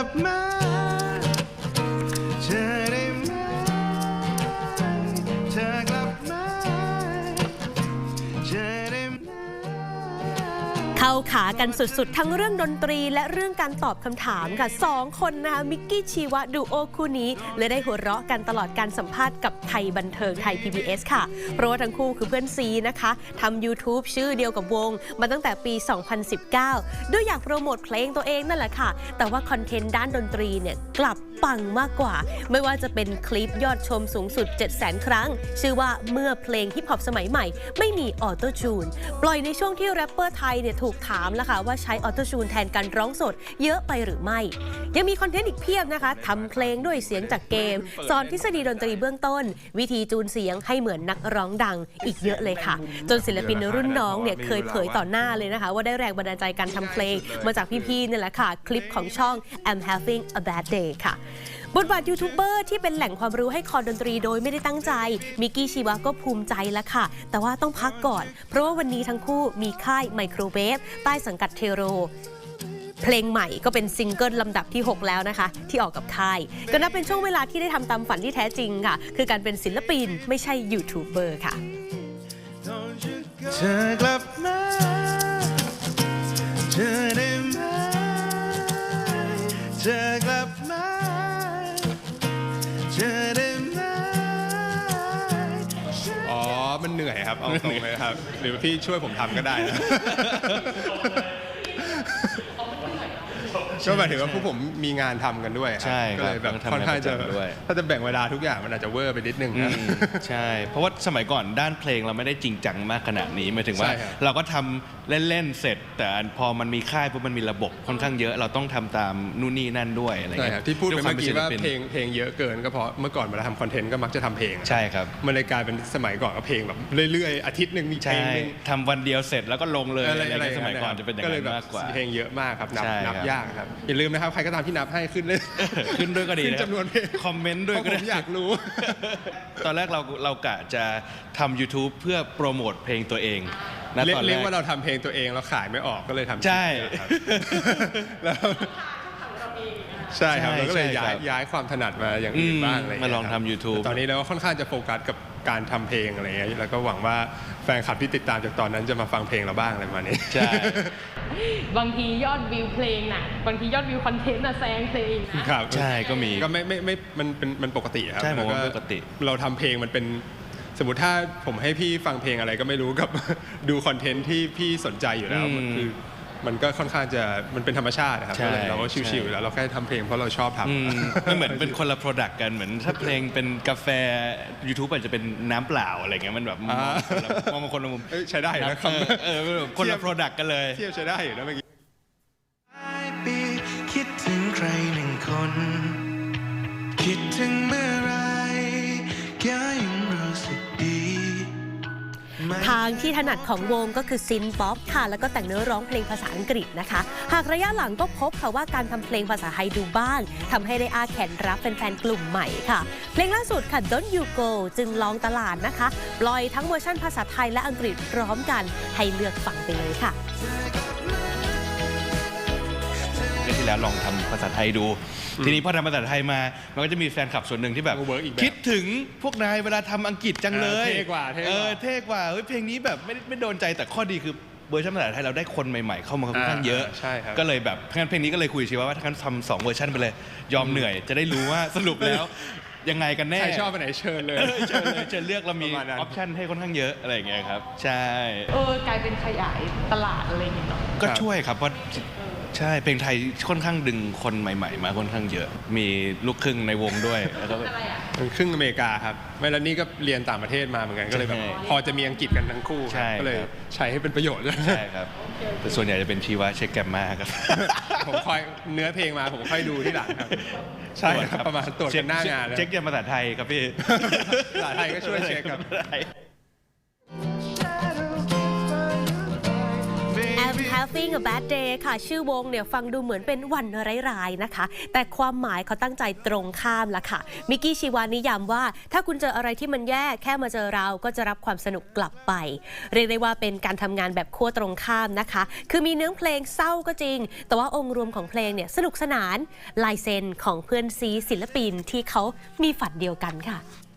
บมาเธอได้ไหมเธอกลับมาเธอได้ไหมเข้าขากันสุดๆทั้งเรื่องดนตรีและเรื่องการตอบคำถามค่ะสองคนนะคะมิกกี้ชีวะดูโอคู่นี้เลยได้หัวเราะกันตลอดการสัมภาษณ์กับไทยบันเทิงไทย PBS ค่ะเพราะว่าทั้งคู่คือเพื่อนซีนะคะทำ YouTube ชื่อเดียวกับวงมาตั้งแต่ปี 2019 ด้วยอยากโปรโมทเพลงตัวเองนั่นแหละค่ะแต่ว่าคอนเทนต์ด้านดนตรีเนี่ยกลับปังมากกว่าไม่ว่าจะเป็นคลิปยอดชมสูงสุด 700,000 ครั้งชื่อว่าเมื่อเพลงฮิปฮอปสมัยใหม่ไม่มีออโต้จูนปล่อยในช่วงที่แรปเปอร์ไทยเนี่ยถูกถามแล้วค่ะว่าใช้ออโต้จูนแทนการร้องสดเยอะไปหรือไม่ยังมีคอนเทนต์อีกเพียบนะคะทำเพลงด้วยเสียงจากเกมสอนทฤษฎีดนตรีเบื้องต้นวิธีจูนเสียงให้เหมือนนักร้องดังอีกเยอะเลยค่ะจนศิลปินรุ่นน้องเนี่ยเคยเผยต่อหน้าเลยนะคะว่าได้แรงบันดาลใจการทำเพลงมาจากพี่ๆนี่แหละค่ะคลิปของช่อง I'm Having a Bad Day ค่ะบทบาทยูทูบเบอร์ที่เป็นแหล่งความรู้ให้คอดนตรีโดยไม่ได้ตั้งใจมิกกี้ชีวะก็ภูมิใจแล้วค่ะแต่ว่าต้องพักก่อนเพราะว่าวันนี้ทั้งคู่มีค่ายไมโครเวฟใต้สังกัดเทโรเพลงใหม่ก็เป็นซิงเกิลลำดับที่ 6 แล้วนะคะที่ออกกับค่ายก็นับเป็นช่วงเวลาที่ได้ทำตามฝันที่แท้จริงค่ะคือการเป็นศิลปินไม่ใช่ยูทูบเบอร์ค่ะเธอกลับมาเธอได้ไหมเธอกลับมาเธอได้ไหมอ๋อมันเหนื่อยครับเอาตรงเลยครับหรือพี่ช่วยผมทำก็ได้นะก็หมายถึงว่าพวกผมมีงานทำกันด้วยใช่ก็เลยแบบค่อนข้างจะถ้าจะแบ่งเวลาทุกอย่างมันอาจจะเวอร์ไปนิดนึงนะใช่เพราะว่าสมัยก่อนด้านเพลงเราไม่ได้จริงจังมากขนาดนี้หมายถึงว่าเราก็ทำเล่นๆเสร็จแต่พอมันมีค่ายปุ๊บมันมีระบบค่อนข้างเยอะเราต้องทำตามนู่นนี่นั่นด้วยอะไรเงี้ยที่พูดไปเมื่อกี้ว่าเพลงเยอะเกินก็เพราะเมื่อก่อนเวลาทำคอนเทนต์ก็มักจะทำเพลงใช่ครับมันเลยกลายเป็นสมัยก่อนก็เพลงแบบเรื่อยๆอาทิตย์นึงมีเพลงนึงทำวันเดียวเสร็จแล้วก็ลงเลยอะไรสมัยก่อนจะเป็นอย่างนั้นมากกว่าเพลงเยอะมากครับนับยากครับอย่าลืมนะครับใครก็ตามที่นับให้ขึ้นเลยขึ้นด้วยก็ดีนะจำนวนเพลงคอมเมนต์ด้วยก็อยากรู้ตอนแรกเรากะจะทำ YouTube เพื่อโปรโมทเพลงตัวเองเรียกว่าเราทำเพลงตัวเองเราขายไม่ออกก็เลยทำใช่แล้วใช่ครับเราก็เลยย้ายความถนัดมาอย่างอื่นบ้างอะไรมาลองทำ YouTube ตอนนี้เราค่อนข้างจะโฟกัสกับการทำเพลงอะไรเงี้ยแล้วก็หวังว่าแฟนคลับที่ติดตามจากตอนนั้นจะมาฟังเพลงเราบ้างอะไรประมาณนี้ใช่บางทียอดวิวเพลงน่ะบางทียอดวิวคอนเทนต์น่ะแซงเพลงครับใช่ก็มีก็ไม่มันปกติครับใช่ผมว่าปกติเราทำเพลงมันเป็นสมมติถ้าผมให้พี่ฟังเพลงอะไรก็ไม่รู้กับดูคอนเทนต์ที่พี่สนใจอยู่แล้วคือมันก็ค่อนข้างจะมันเป็นธรรมชาติครับเราก็ชิวๆแล้วเราแค่ทำเพลงเพราะเราชอบทำไม่เหมือนเป็นคนละโปรดักต์กันเหมือนถ้าเพลงเป็นกาแฟ YouTube อาจจะเป็นน้ำเปล่าอะไรเงี้ยมันแบบมองคนละมุมใช้ได้นะครับคนละโปรดักต์กันเลยเทียบใช้ได้อยู่นะเมื่อกี้คิดถึงใครหนึ่งคนคิดถึงเมื่อไรแค่ยังรู้สึกดีทางที่ถนัดของวงก็คือซินป๊อปค่ะแล้วก็แต่งเนื้อร้องเพลงภาษาอังกฤษนะคะหากระยะหลังก็พบค่ะว่าการทำเพลงภาษาไทยดูบ้างทำให้ได้อาแขนรับแฟนๆกลุ่มใหม่ค่ะเพลงล่าสุดค่ะ Don't You Go จึงลองตลาดนะคะปล่อยทั้งเวอร์ชันภาษาไทยและอังกฤษพร้อมกันให้เลือกฟังไปเลยค่ะที่แล้วลองทำภาษาไทยดูทีนี้พอทำภาษาไทยมามันก็จะมีแฟนคลับส่วนหนึ่งที่แบบคิดถึงพวกนายเวลาทำอังกฤษจังเลยเท่กว่าเท่กว่าเพลงนี้แบบไม่โดนใจแต่ข้อดีคือเวอร์ชันภาษาไทยเราได้คนใหม่ๆเข้ามาค่อนข้างเยอะก็เลยแบบเพลงนี้ก็เลยคุยชีว่าถ้างั้นทำ2เวอร์ชันไปเลยยอมเหนื่อยจะได้รู้ว่าสรุปแล้วยังไงกันแน่ใครชอบไปไหนเชิญเลยเชิญเลือกเรามีออปชั่นให้ค่อนข้างเยอะอะไรอย่างเงี้ยครับใช่กลายเป็นขยายตลาดอะไรอย่างเงี้ยก็ช่วยครับเพราะใช่เพลงไทยค่อนข้างดึงคนใหม่ๆมาค่อนข้างเยอะมีลูกครึ่งในวงด้วยแล้วก็เป็นครึ่งอเมริกาครับไม่แล้วนี่ก็เรียนต่างประเทศมาเหมือนกันก็เลยแบบพอจะมีอังกฤษกันทั้งคู่ก็เลยใช้ให้เป็นประโยชน์ใช่ครับแต่ส่วนใหญ่จะเป็นชีวะเช็คแกรมมาครับผมคอยเนื้อเพลงมาผมค่อยดูที่หลังครับใช่ครับประมาณตรวจหน้างานเช็คภาษาไทยครับพี่ภาษาไทยก็ช่วยเช็คครับ Having a Bad Day ค่ะชื่อวงเนี่ยฟังดูเหมือนเป็นวันร้ายๆนะคะแต่ความหมายเขาตั้งใจตรงข้ามละค่ะมิกกี้ชีวานิยามว่าถ้าคุณเจออะไรที่มันแย่แค่มาเจอเราก็จะรับความสนุกกลับไปเรียกได้ว่าเป็นการทำงานแบบขั้วตรงข้ามนะคะคือมีเนื้อเพลงเศร้าก็จริงแต่ว่าองค์รวมของเพลงเนี่ยสนุกสนานลายเซ็นของเพื่อนซีศิลปินที่เขามีฝันเดียวกันค่ะ